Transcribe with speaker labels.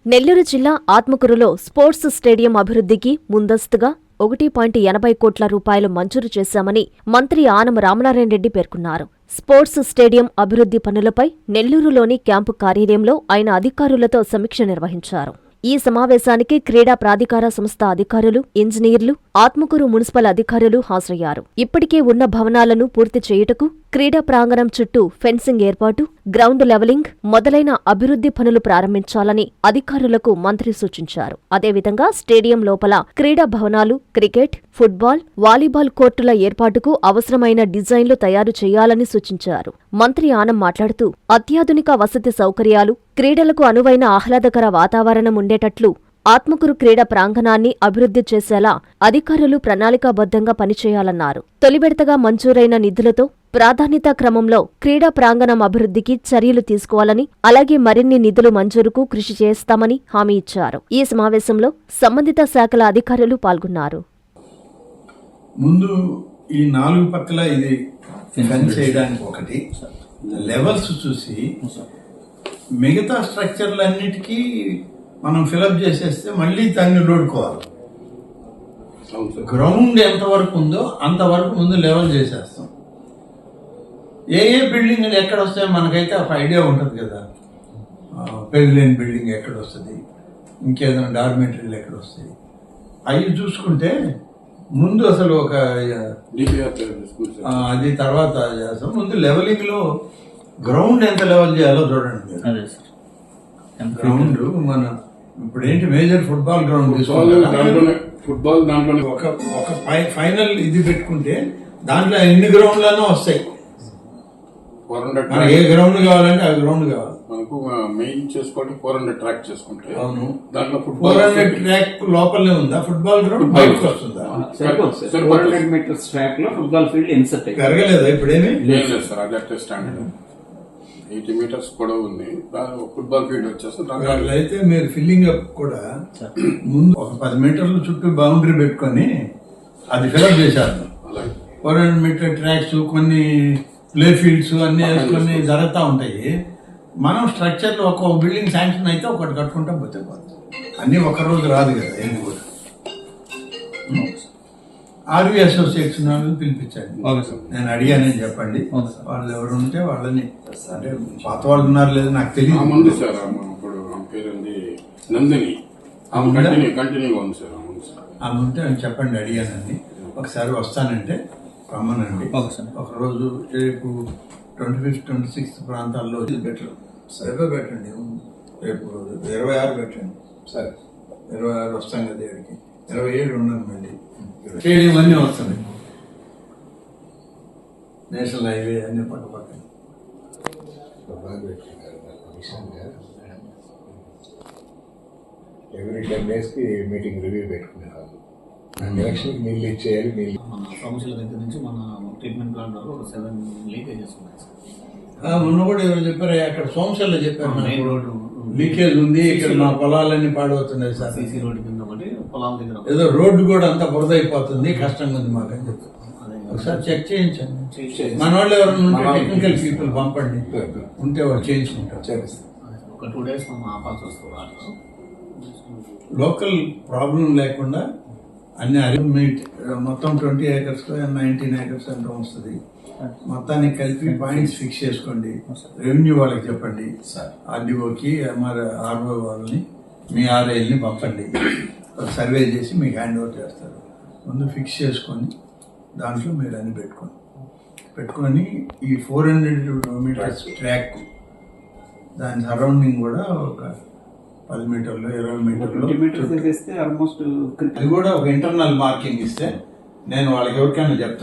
Speaker 1: నెల్లూరు జిల్లా ఆత్మకూరులో sports stadium అభివృద్ధికి ముందస్తుగా 1.80 కోట్ల రూపాయలు మంజూరు చేశామని మంత్రి ఆనం రామనారాయణ రెడ్డి పేర్కొన్నారు. స్పోర్ట్స్ స్టేడియం అభివృద్ధి పనులపై నెల్లూరులోని క్యాంపు కార్యాలయంలో ఆయన అధికారులతో సమీక్ష నిర్వహించారు. ఈ సమావేశానికి క్రీడా ప్రాధికార సంస్థ అధికారులు, ఇంజనీర్లు, ఆత్మకూరు మున్సిపల్ అధికారులు హాజరయ్యారు. ఇప్పటికే ఉన్న భవనాలను పూర్తి చేయుటకు క్రీడా ప్రాంగణం చుట్టూ ఫెన్సింగ్ ఏర్పాటు, గ్రౌండ్ లెవలింగ్ మొదలైన అభివృద్ధి పనులు ప్రారంభించాలని అధికారులకు మంత్రి సూచించారు. అదేవిధంగా స్టేడియం లోపల క్రీడా భవనాలు, క్రికెట్, ఫుట్బాల్, వాలీబాల్ కోర్టుల ఏర్పాటుకు అవసరమైన డిజైన్లు తయారు చేయాలని సూచించారు. మంత్రి ఆనం మాట్లాడుతూ అత్యాధునిక వసతి సౌకర్యాలు, క్రీడలకు అనువైన ఆహ్లాదకర వాతావరణం ఉండేటట్లు ఆత్మకూరు క్రీడా ప్రాంగణాన్ని అభివృద్ధి చేసేలా అధికారులు ప్రణాళికాబద్ధంగా పనిచేయాలన్నారు. తొలి విడతగా మంజూరైన నిధులతో ప్రాధాన్యతా క్రమంలో క్రీడా ప్రాంగణం అభివృద్ధికి చర్యలు తీసుకోవాలని, అలాగే మరిన్ని నిధులు మంజూరుకు కృషి చేస్తామని హామీ ఇచ్చారు. ఈ సమావేశంలో సంబంధిత శాఖల అధికారులు పాల్గొన్నారు.
Speaker 2: ముందు ఈ 4 పక్కల ఇది ఫెన్స్ చేయడానికి ఒకటి లెవెల్స్ చూసి మిగతా స్ట్రక్చర్లన్నిటికీ మనం ఫిలప్ చేసేస్తే మళ్ళీ దాన్ని లోడుకోవాలి. గ్రౌండ్ ఎంతవరకు ఉందో అంతవరకు ముందు లెవెల్ చేసేస్తాం. ఏ బిల్డింగ్ ఎక్కడ వస్తాయో మనకైతే ఒక ఐడియా ఉంటుంది కదా. పెవిలియన్ బిల్డింగ్ ఎక్కడ వస్తుంది, ఇంకేదైనా డార్మెంటరీలు ఎక్కడ వస్తాయి, అవి చూసుకుంటే ముందు అసలు ఒక అది తర్వాత చేస్తాం. ముందు లెవెలింగ్ లో గ్రౌండ్ ఎంత లెవెల్ చేయాలో చూడండి. గ్రౌండ్ మన ఇప్పుడు ఏంటి మేజర్ ఫుట్బాల్ గ్రౌండ్
Speaker 3: ఫుట్బాల్ దాంట్లో
Speaker 2: ఒక ఫైనల్ ఇది పెట్టుకుంటే దాంట్లో ఎన్ని గ్రౌండ్లనో వస్తాయి. ఏ గ్రౌండ్ కావాలంటే ఆ గ్రౌండ్ కావాలి.
Speaker 3: మనకు మెయిన్ చేసుకోవడం 400 ట్రాక్ చేసుకుంటే
Speaker 2: అవును,
Speaker 3: దాంట్లో
Speaker 2: 400 ట్రాక్ లోపలనే ఉందా ఫుట్బాల్ గ్రౌండ్ బయటకు వస్తుందా?
Speaker 4: 400 మీటర్స్ ట్రాక్ లో ఫుట్బాల్ ఫీల్డ్ ఇన్సర్ట్
Speaker 2: పెరగలేదా ఇప్పుడేమి?
Speaker 3: లేదు సార్, అది అట్టే స్టాండర్డ్ 80 మీటర్స్ కూడా ఉంది. ఫుట్బాల్ ఫీల్డ్ వచ్చేసి
Speaker 2: అయితే మీరు ఫిల్లింగ్ అప్ కూడా ముందు ఒక 10 మీటర్ల చుట్టూ బౌండరీ పెట్టుకొని అది ఫిల్అప్ చేశారు. 400 మీటర్ ట్రాక్స్, కొన్ని ప్లే ఫీల్డ్స్ అన్ని వేసుకొని జరుగుతూ ఉంటాయి. మనం స్ట్రక్చర్ లో ఒక బిల్డింగ్ శాంక్షన్ అయితే ఒకటి కట్టుకుంటాం పోతే పోతుంది. అన్ని ఒక రోజు రాదు కదా. ఏం కూడా ఆర్వీ అసోసియేషన్ వాళ్ళని పిలిపించండి. నేను అడిగానని చెప్పండి. వాళ్ళు ఎవరు ఉంటే వాళ్ళని, అంటే పాత వాళ్ళు ఉన్నారు లేదు నాకు తెలియదు.
Speaker 3: ముందు సార్ ఇప్పుడు పేరుంది నందిని, కంటిన్యూగా ఉంది సార్.
Speaker 2: ఆమె ఉంటే అని చెప్పండి, అడిగానని. ఒకసారి వస్తానంటే రమ్మనండి. ఒకరోజు రేపు 25, 26 ప్రాంతాల్లో బెటర్. రేపే పెట్టండి, రేపు 26 పెట్టండి. సరే 26 వస్తాం కదా. 27 ఉన్నాను మళ్ళీ. స్టేడియం అన్నీ వస్తుంది, నేషనల్ హైవే అన్ని పక్క పక్కన.
Speaker 5: ఎవ్రీ 10 days మీటింగ్ రివ్యూ పెట్టుకునేవాళ్ళు. ఎలక్షన్ నీళ్ళు ఇచ్చేయాలి. నీళ్ళు
Speaker 4: మన సమస్యల దగ్గర నుంచి మన ట్రీట్మెంట్ ప్లాంట్ వరకు ఒక 7 లీకేజెస్ ఉన్నాయి సార్.
Speaker 2: మొన్న కూడా ఎవరు చెప్పారు, అక్కడ సోమశల్లో చెప్పారు
Speaker 4: మెయిన్ రోడ్డు
Speaker 2: లీకేజ్ ఉంది, ఇక్కడ మా పొలాలన్నీ పాడవుతున్నాయి సార్.
Speaker 4: సీసీ రోడ్డు కింద ఒకటి, పొలాల దగ్గర
Speaker 2: ఏదో రోడ్డు కూడా అంతా బురద అయిపోతుంది, కష్టంగా ఉంది మాకు అని చెప్పారు. ఒకసారి చెక్ చేయించండి. మన వాళ్ళు ఎవరైనా ఉంటే టెక్నికల్ పీపుల్ పంపండి, ఉంటే వాళ్ళు చేయించుకుంటారు.
Speaker 4: ఒక 2 days మనం ఆపాల్సి వస్తుంది.
Speaker 2: లోకల్ ప్రాబ్లం లేకుండా అన్ని మొత్తం 20 acres 19 acres అంతా వస్తుంది. మొత్తానికి కలిపి పాయింట్స్ ఫిక్స్ చేసుకోండి. రెవెన్యూ వాళ్ళకి చెప్పండి, ఆర్డీఓకి ఆర్ఓ వాళ్ళని, మీ ఆర్ఐల్ని పంపండి. సర్వే చేసి మీకు హ్యాండ్ ఓవర్ చేస్తారు. ముందు ఫిక్స్ చేసుకొని దాంట్లో మీరు అన్ని పెట్టుకొని ఈ 400 మీటర్స్ ట్రాక్, దాని సరౌండింగ్ కూడా ఒక 10 మీటర్లు 20 మీటర్లు అది కూడా ఒక ఇంటర్నల్ మార్కింగ్ ఇస్తే నేను వాళ్ళకి ఎవరికైనా చెప్తాను.